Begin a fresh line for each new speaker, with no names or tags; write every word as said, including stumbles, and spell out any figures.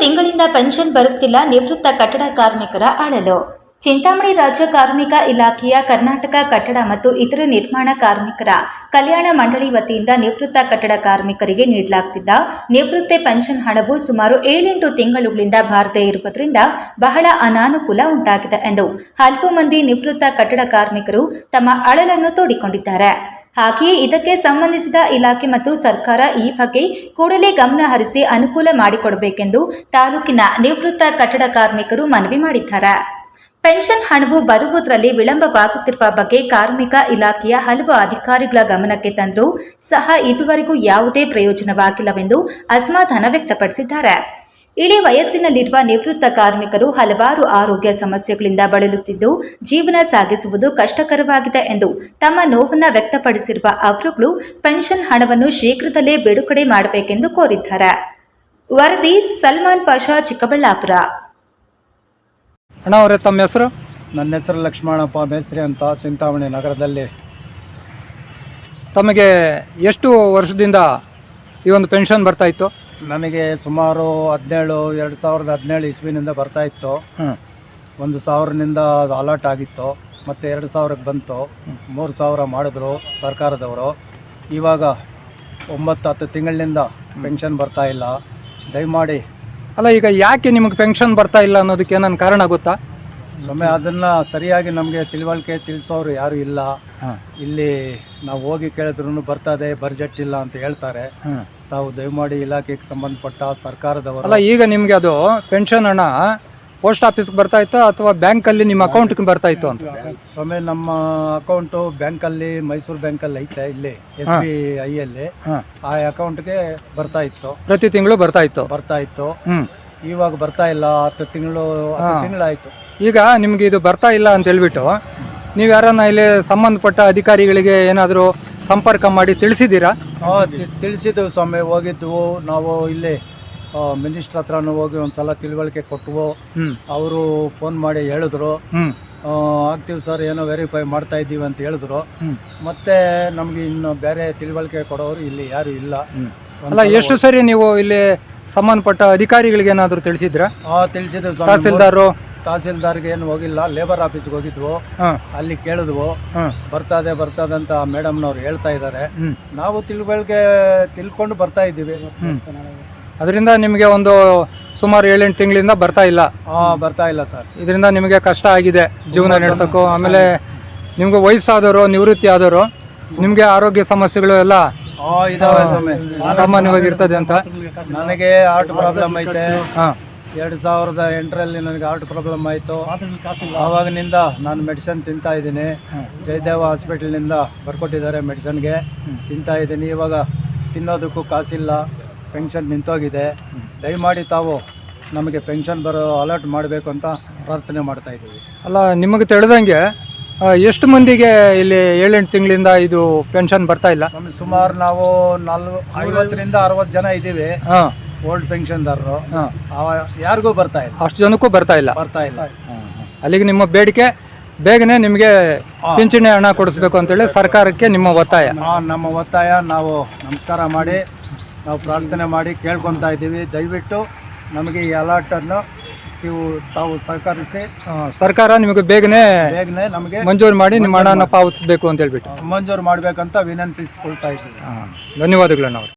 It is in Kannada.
ತಿಂಗಳಿಂದ ಪೆನ್ಷನ್ ಬರುತ್ತಿಲ್ಲ. ನಿವೃತ್ತ ಕಟ್ಟಡ ಕಾರ್ಮಿಕರ ಅಳಲು. ಚಿಂತಾಮಣಿ ರಾಜ್ಯ ಕಾರ್ಮಿಕ ಇಲಾಖೆಯ ಕರ್ನಾಟಕ ಕಟ್ಟಡ ಮತ್ತು ಇತರ ನಿರ್ಮಾಣ ಕಾರ್ಮಿಕರ ಕಲ್ಯಾಣ ಮಂಡಳಿ ವತಿಯಿಂದ ನಿವೃತ್ತ ಕಟ್ಟಡ ಕಾರ್ಮಿಕರಿಗೆ ನೀಡಲಾಗುತ್ತಿದ್ದ ನಿವೃತ್ತಿ ಪೆನ್ಷನ್ ಹಣವು ಸುಮಾರು ಏಳೆಂಟು ತಿಂಗಳುಗಳಿಂದ ಬಾರದೇ ಇರುವುದರಿಂದ ಬಹಳ ಅನಾನುಕೂಲ ಉಂಟಾಗಿದೆ ಎಂದು ಹಲವು ಮಂದಿ ನಿವೃತ್ತ ಕಟ್ಟಡ ಕಾರ್ಮಿಕರು ತಮ್ಮ ಅಳಲನ್ನು ತೋಡಿಕೊಂಡಿದ್ದಾರೆ. ಹಾಗೆಯೇ ಇದಕ್ಕೆ ಸಂಬಂಧಿಸಿದ ಇಲಾಖೆ ಮತ್ತು ಸರ್ಕಾರ ಈ ಬಗ್ಗೆ ಕೂಡಲೇ ಗಮನ ಹರಿಸಿ ಅನುಕೂಲ ಮಾಡಿಕೊಡಬೇಕೆಂದು ತಾಲೂಕಿನ ನಿವೃತ್ತ ಕಟ್ಟಡ ಕಾರ್ಮಿಕರು ಮನವಿ ಮಾಡಿದ್ದಾರೆ. ಪೆನ್ಷನ್ ಹಣವು ಬರುವುದರಲ್ಲಿ ವಿಳಂಬವಾಗುತ್ತಿರುವ ಬಗ್ಗೆ ಕಾರ್ಮಿಕ ಇಲಾಖೆಯ ಹಲವು ಅಧಿಕಾರಿಗಳ ಗಮನಕ್ಕೆ ತಂದರೂ ಸಹ ಇದುವರೆಗೂ ಯಾವುದೇ ಪ್ರಯೋಜನವಾಗಿಲ್ಲವೆಂದು ಅಸಮಾಧಾನ ವ್ಯಕ್ತಪಡಿಸಿದ್ದಾರೆ. ಇಳಿ ವಯಸ್ಸಿನಲ್ಲಿರುವ ನಿವೃತ್ತ ಕಾರ್ಮಿಕರು ಹಲವಾರು ಆರೋಗ್ಯ ಸಮಸ್ಯೆಗಳಿಂದ ಬಳಲುತ್ತಿದ್ದು ಜೀವನ ಸಾಗಿಸುವುದು ಕಷ್ಟಕರವಾಗಿದೆ ಎಂದು ತಮ್ಮ ನೋವನ್ನು ವ್ಯಕ್ತಪಡಿಸಿರುವ ಅವರುಗಳು ಪೆನ್ಷನ್ ಹಣವನ್ನು ಶೀಘ್ರದಲ್ಲೇ ಬಿಡುಗಡೆ ಮಾಡಬೇಕೆಂದು ಕೋರಿದ್ದಾರೆ. ವರದಿ ಸಲ್ಮಾನ್ ಪಾಷಾ, ಚಿಕ್ಕಬಳ್ಳಾಪುರ.
ಅಣ್ಣ ಅವರೇ, ತಮ್ಮ ಹೆಸರು?
ನನ್ನ ಹೆಸರು ಲಕ್ಷ್ಮಣಪ್ಪ ಮೇಸ್ತ್ರಿ ಅಂತ, ಚಿಂತಾಮಣಿ ನಗರದಲ್ಲಿ.
ತಮಗೆ ಎಷ್ಟು ವರ್ಷದಿಂದ ಈ ಒಂದು ಪೆನ್ಷನ್ ಬರ್ತಾ ಇತ್ತು?
ನನಗೆ ಸುಮಾರು ಹದಿನೇಳು ಎರಡು ಸಾವಿರದ ಹದಿನೇಳು ಇಸ್ವಿನಿಂದ ಬರ್ತಾ ಇತ್ತು. ಒಂದು ಸಾವಿರನಿಂದ ಅದು ಅಲರ್ಟ್ ಆಗಿತ್ತು, ಮತ್ತು ಎರಡು ಸಾವಿರಕ್ಕೆ ಬಂತು. ಮೂರು ಸಾವಿರ ಮಾಡಿದ್ರು ಸರ್ಕಾರದವರು. ಇವಾಗ ಒಂಬತ್ತು ಹತ್ತು ತಿಂಗಳಿನಿಂದ ಪೆನ್ಷನ್ ಬರ್ತಾ ಇಲ್ಲ. ದಯಮಾಡಿ.
ಅಲ್ಲ, ಈಗ ಯಾಕೆ ನಿಮಗೆ ಪೆನ್ಷನ್ ಬರ್ತಾ ಇಲ್ಲ ಅನ್ನೋದಕ್ಕೆ ಏನಾದ್ರು ಕಾರಣ ಗೊತ್ತಾ?
ಒಮ್ಮೆ ಅದನ್ನು ಸರಿಯಾಗಿ ನಮಗೆ ತಿಳುವಳಿಕೆ ತಿಳಿಸೋರು ಯಾರೂ ಇಲ್ಲ. ಇಲ್ಲಿ ನಾವು ಹೋಗಿ ಕೇಳಿದ್ರು ಬರ್ತದೆ, ಬಜೆಟ್ ಇಲ್ಲ ಅಂತ ಹೇಳ್ತಾರೆ. ತಾವು ದಯಮಾಡಿ ಇಲಾಖೆಗೆ ಸಂಬಂಧಪಟ್ಟ ಸರ್ಕಾರದವರು.
ಅಲ್ಲ, ಈಗ ನಿಮಗೆ ಅದು ಪೆನ್ಷನ್ ಹಣ ಪೋಸ್ಟ್ ಆಫೀಸ್ಗೆ ಬರ್ತಾ ಇತ್ತು ಅಥವಾ ಬ್ಯಾಂಕಲ್ಲಿ ನಿಮ್ಮ ಅಕೌಂಟ್ಗೆ ಬರ್ತಾ ಇತ್ತು ಅಂತ?
ಒಮ್ಮೆ ನಮ್ಮ ಅಕೌಂಟು ಬ್ಯಾಂಕಲ್ಲಿ, ಮೈಸೂರು ಬ್ಯಾಂಕಲ್ಲಿ ಐತೆ, ಇಲ್ಲಿ ಎಸ್ ಬಿ ಐಯಲ್ಲಿ. ಆ ಅಕೌಂಟ್ಗೆ ಬರ್ತಾ ಇತ್ತು,
ಪ್ರತಿ ತಿಂಗಳು ಬರ್ತಾ ಇತ್ತು
ಬರ್ತಾ ಇತ್ತು ಇವಾಗ ಬರ್ತಾ ಇಲ್ಲ. ಹತ್ತು ತಿಂಗಳು ಹತ್ತು ತಿಂಗಳಾಯ್ತು. ಈಗ
ನಿಮ್ಗೆ ಇದು ಬರ್ತಾ ಇಲ್ಲ ಅಂತ ಹೇಳ್ಬಿಟ್ಟು ನೀವು ಯಾರನ್ನ ಇಲ್ಲಿ ಸಂಬಂಧಪಟ್ಟ ಅಧಿಕಾರಿಗಳಿಗೆ ಏನಾದರೂ ಸಂಪರ್ಕ ಮಾಡಿ ತಿಳಿಸಿದ್ದೀರಾ?
ತಿಳಿಸಿದ್ವು ಸ್ವಾಮಿ, ಹೋಗಿದ್ವು ನಾವು. ಇಲ್ಲಿ ಮಿನಿಸ್ಟ್ರ್ ಹತ್ರನೂ ಹೋಗಿ ಒಂದ್ಸಲ ತಿಳುವಳಿಕೆ ಕೊಟ್ಟವು. ಅವರು ಫೋನ್ ಮಾಡಿ ಹೇಳಿದ್ರು, ಆಗ್ತೀವಿ ಸರ್, ಏನೋ ವೆರಿಫೈ ಮಾಡ್ತಾ ಇದ್ದೀವಿ ಅಂತ ಹೇಳಿದ್ರು. ಮತ್ತೆ ನಮ್ಗೆ ಇನ್ನು ಬೇರೆ ತಿಳುವಳಿಕೆ ಕೊಡೋರು ಇಲ್ಲಿ ಯಾರು ಇಲ್ಲ.
ಅಲ್ಲ, ಎಷ್ಟು ಸರಿ ನೀವು ಇಲ್ಲಿ ಸಂಬಂಧಪಟ್ಟ ಅಧಿಕಾರಿಗಳಿಗೆ ಏನಾದರೂ ತಿಳಿಸಿದ್ರಾ?
ಹಾಂ, ತಿಳಿಸಿದ್ವಿ.
ತಹಸೀಲ್ದಾರು
ತಹಸೀಲ್ದಾರ್ಗೆ ಏನು ಹೋಗಿಲ್ಲ, ಲೇಬರ್ ಆಫೀಸ್ಗೆ ಹೋಗಿದ್ವು. ಅಲ್ಲಿ ಕೇಳಿದ್ವು, ಬರ್ತದೆ ಬರ್ತದೆ ಅಂತ ಮೇಡಮ್ನವ್ರು ಹೇಳ್ತಾ ಇದ್ದಾರೆ. ನಾವು ತಿಳುವಳಿಕೆ ತಿಳ್ಕೊಂಡು ಬರ್ತಾ ಇದ್ದೀವಿ.
ಅದರಿಂದ ನಿಮಗೆ ಒಂದು ಸುಮಾರು ಏಳೆಂಟು ತಿಂಗಳಿಂದ ಬರ್ತಾ ಇಲ್ಲ?
ಹಾಂ, ಬರ್ತಾ ಇಲ್ಲ ಸರ್.
ಇದರಿಂದ ನಿಮಗೆ ಕಷ್ಟ ಆಗಿದೆ ಜೀವನ ನಡೆಸೋಕ್ಕೂ. ಆಮೇಲೆ ನಿಮ್ಗೆ ವಯಸ್ಸಾದವರು, ನಿವೃತ್ತಿ ಆದವರು, ನಿಮಗೆ ಆರೋಗ್ಯ ಸಮಸ್ಯೆಗಳು ಎಲ್ಲ ಸಾಮಾನ್ಯವಾಗಿರ್ತದೆ ಅಂತ.
ನನಗೆ ಹಾರ್ಟ್ ಪ್ರಾಬ್ಲಮ್ ಐತೆ. ಎರಡು ಸಾವಿರದ ಎಂಟರಲ್ಲಿ ನನಗೆ ಹಾರ್ಟ್ ಪ್ರಾಬ್ಲಮ್ ಆಯಿತು. ಆವಾಗಿನಿಂದ ನಾನು ಮೆಡಿಸಿನ್ ತಿಂತಾ ಇದ್ದೀನಿ. ಜಯದೇವ ಹಾಸ್ಪಿಟಲ್ನಿಂದ ಬರ್ಕೊಟ್ಟಿದ್ದಾರೆ, ಮೆಡಿಸನ್ಗೆ ತಿಂತಾ ಇದ್ದೀನಿ. ಇವಾಗ ತಿನ್ನೋದಕ್ಕೂ ಕಾಸಿಲ್ಲ, ಪೆನ್ಷನ್ ನಿಂತೋಗಿದೆ. ದಯಮಾಡಿ ತಾವು ನಮಗೆ ಪೆನ್ಷನ್ ಬರೋ ಅಲರ್ಟ್ ಮಾಡಬೇಕು ಅಂತ ಪ್ರಾರ್ಥನೆ ಮಾಡ್ತಾ ಇದ್ದೀವಿ.
ಅಲ್ಲ, ನಿಮಗೆ ತಿಳಿದಂಗೆ ಎಷ್ಟು ಮಂದಿಗೆ ಇಲ್ಲಿ ಏಳೆಂಟು ತಿಂಗಳಿಂದ ಇದು ಪೆನ್ಷನ್ ಬರ್ತಾ ಇಲ್ಲ?
ಸುಮಾರು ನಾವು ನಾಲ್ಕು ಐವತ್ತರಿಂದ ಅರವತ್ತು ಜನ ಇದ್ದೀವಿ ಓಲ್ಡ್ ಪೆನ್ಷನ್ದಾರರು. ಯಾರಿಗೂ ಬರ್ತಾ ಇಲ್ಲ.
ಅಷ್ಟು ಜನಕ್ಕೂ ಬರ್ತಾ ಇಲ್ಲ
ಬರ್ತಾ ಇಲ್ಲ
ಅಲ್ಲಿಗೆ ನಿಮ್ಮ ಬೇಡಿಕೆ ಬೇಗನೆ ನಿಮಗೆ ಪಿಂಚಣಿ ಹಣ ಕೊಡಿಸ್ಬೇಕು ಅಂತೇಳಿ ಸರ್ಕಾರಕ್ಕೆ ನಿಮ್ಮ ಒತ್ತಾಯ?
ನಮ್ಮ ಒತ್ತಾಯ. ನಾವು ನಮಸ್ಕಾರ ಮಾಡಿ ನಾವು ಪ್ರಾರ್ಥನೆ ಮಾಡಿ ಕೇಳ್ಕೊತಾ ಇದ್ದೀವಿ. ದಯವಿಟ್ಟು ನಮಗೆ ಈ ಅಲರ್ಟನ್ನು ನೀವು ತಾವು ಸಹಕರಿಸಿ
ಸರ್ಕಾರ ನಿಮಗೆ ಬೇಗನೆ
ಬೇಗನೆ ನಮಗೆ
ಮಂಜೂರು ಮಾಡಿ ನಿಮ್ಮ ಹಣನ ಪಾವತಿಸಬೇಕು ಅಂತ ಹೇಳ್ಬಿಟ್ಟು
ಮಂಜೂರು ಮಾಡಬೇಕಂತ ವಿನಂತಿಸ್ಕೊಳ್ತಾ ಇದ್ದೀವಿ.
ಧನ್ಯವಾದಗಳು. ನಾವು